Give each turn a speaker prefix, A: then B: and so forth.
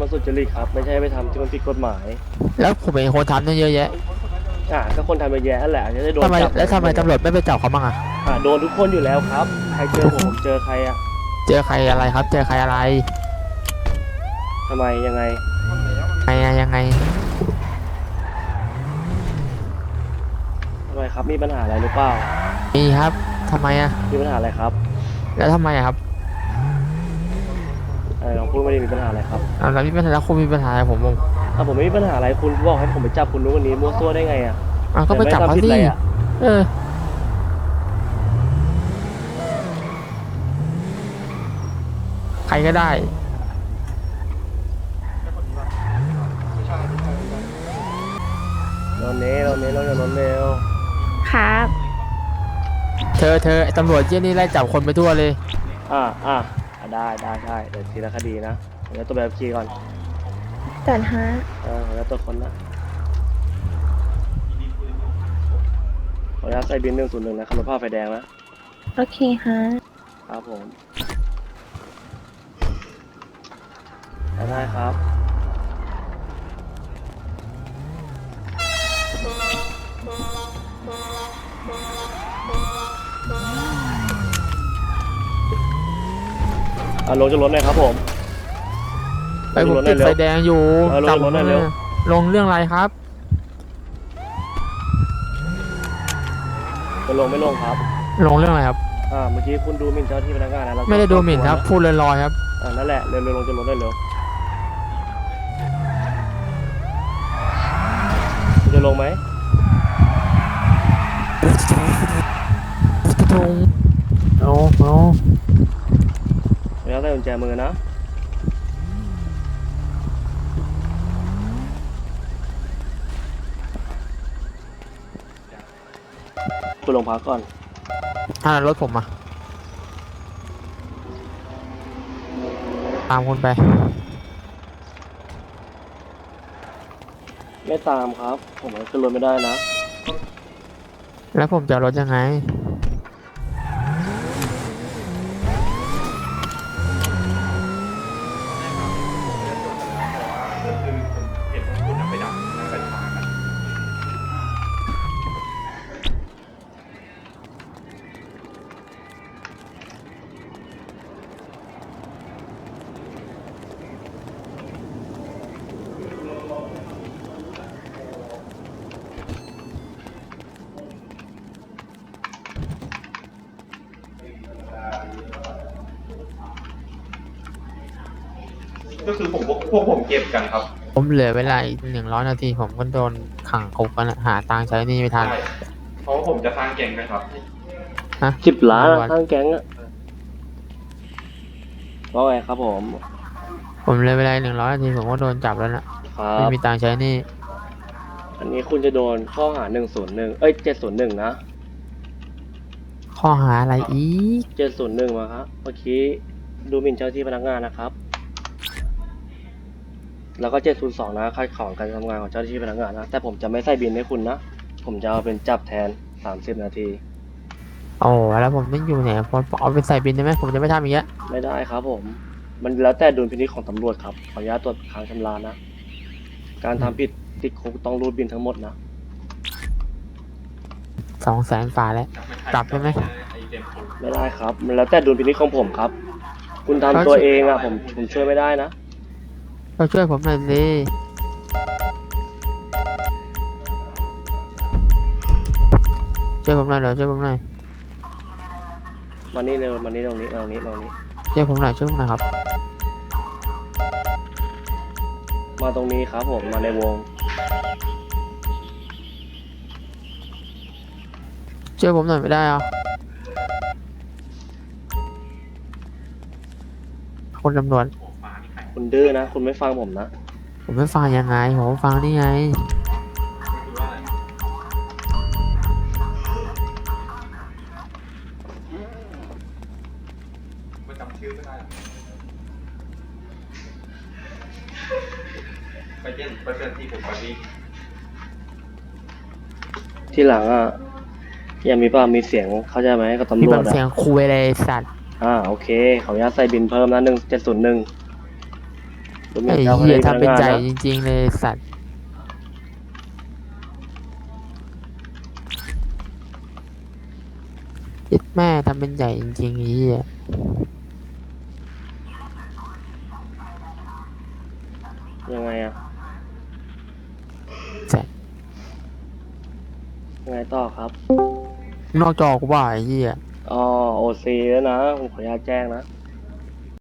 A: สุจริตครับไม่ใช่ไปทำที่มันผิดกฎหมาย
B: แล้วผมเป็นคนทำตั้งเยอะแยะ
A: ก็คนทำเยอะแยะนั่นแหละจะได้โดน
B: ทำไม
A: จับ
B: แล้วทำไมตำรวจไม่ไปจับเขาบ้างอะ
A: โดนทุกคนอยู่แล้วครับใครเจอผมเจอใครอะ
B: เจอใครอะไรครับเจอใครอะไร
A: ทำไมยังไง
B: ยังไง
A: ทำไมครับมีปัญหาอะไรหรือเปล่า
B: มีครับทำไมอะ
A: มีปัญหาอะไรครับ
B: แล้วทำไมอะครับ
A: ลองพูดไม่ได้มีปัญหาอะไรครับ
B: แล้วมีปัญหาแล้วคุณมีปัญหาอะไร
A: ผมไม่มีปัญหาอะไรคุณบอกให้ผมไปจับคุณรู้วันนี้มั่วซั่วได้ไงอะ
B: ก็ไปจับเขาสิเออใครก็ได้
A: เราเน้เราอย่าล้นเร็ว
C: ครับ
B: เธอไอ้ตำรวจเยี่ยนี่ไล่จับคนไปทั่วเลย
A: ได้เดี๋ยวทีละคดีนะเดี๋ยวตัวแบบขี่ก่อน
C: จัดฮะ
A: เดี๋ยวตัวคนนะขออนุญาตใส่บิน101นะขับรถผ่าไฟแดงนะ
C: โอเคฮะ
A: ครับผมได้ครับลงจากรถหน่อยครับผม
B: ผมติดไฟแดงอยู่
A: จับรถหน่อยเร็ว
B: ลงเรื่องอะไรครับ
A: จะลงไม่ลงครับ
B: ลงเรื่องอะไรครับ
A: เมื่อกี้คุณดูหมิ่นเจ้าที่พนักงานนะ
B: ไม่ได้ดูหมิ่นครับพูดลอยๆครับ
A: นั่นแหละเร็วลงจากรถได้เร็วจะลงไหม
B: เอา
A: แล้วใส่กุญแจมือนะคุณลงพักก่อน
B: รถผมมาตามคุณไป
A: ไม่ตามครับผมขึ้นรถไม่ได้นะ
B: แล้วผมจะรถยังไง
D: ก็คือพวกผมเก็บกันครับ
B: ผมเหลือเวลาอีก100 นาทีผมก็โดนขังคุกกันหาตังค์ใช้นี่ไม่ทัน
D: เพราะว่าผมจะสร้างแก๊งนะครับ
A: 10 ล้านสร้างแก๊งว่าไงครับผม
B: เหลือเวลา100 นาทีผมก็โดนจับแล้วนะไม่มีตังค์ใช้นี่
A: อันนี้คุณจะโดนข้อหา701นะ
B: ข้อหาอะไรอีก
A: 701มาครับเมื่อกี้ดูหมิ่นเจ้าที่พนักงานนะครับแล้วก็702นะขัดขวางการทำงานของเจ้าหน้าที่พนักงานนะแต่ผมจะไม่ใส่บินให้คุณนะผมจะเอาเป็นจับแทน30 นาที
B: แล้วผมต้องอยู่ไหนผมเอาไปใส่บินได้ไหมผมจะไม่ทำอย่างเงี้ย
A: ไม่ได้ครับผมมันแล้วแต่ดุลพินิจของตำรวจครับขออนุญาตตรวจค้างชำระนะการทำผิดติดคุกต้องรูดบินทั้งหมดนะ
B: 200,000 ฝ่าแล้วปรับได้ไหม
A: ไม่ได้ครับมันแล้วแต่ดุลพินิจของผมครับคุณทำตัวเองผมช่วยไม่ได้นะ
B: ช่วยผมหน่อยสิช่วยผมหน่อย
A: มานี่เร็วมานี่ตรงนี้
B: ช่วยผมหน่อยครับ
A: มาตรงนี้ครับผมมาในวง
B: ช่วยผมหน่อยไม่ได้เหรอคนตำรวจ
A: คุณดื้อนะคุณไม่ฟังผมนะ
B: ผมไม่ฟังยังไงผมฟังนี่ไง
D: จำชื่อไม่ได้ไปเจนที่ผมไป
A: ที่หลังยังมีเสียงเข้าใจไหมกับตำรวจ
B: มีเสียงคุยอะไรสัตว์
A: โอเคขออนุญาตใส่บินเพิ่มนะ1701 ดูหมิ่
B: ไอ้
A: นเจ้าพ
B: เหี้ย
A: นัก
B: ทำเป็น
A: งาน
B: ใหญ่
A: นะ
B: จริงๆเลยสัตว์เย็ดแม่ทำเป็นใหญ่จริงๆไอ้เหี้ย
A: ยังไงอะ
B: ใช่
A: ยังไงต่อครับ
B: นอกจอกูว่าไอ้เหี้ย
A: อ๋อโอซีแล้วนะผมขออนุญาตแจ้งนะ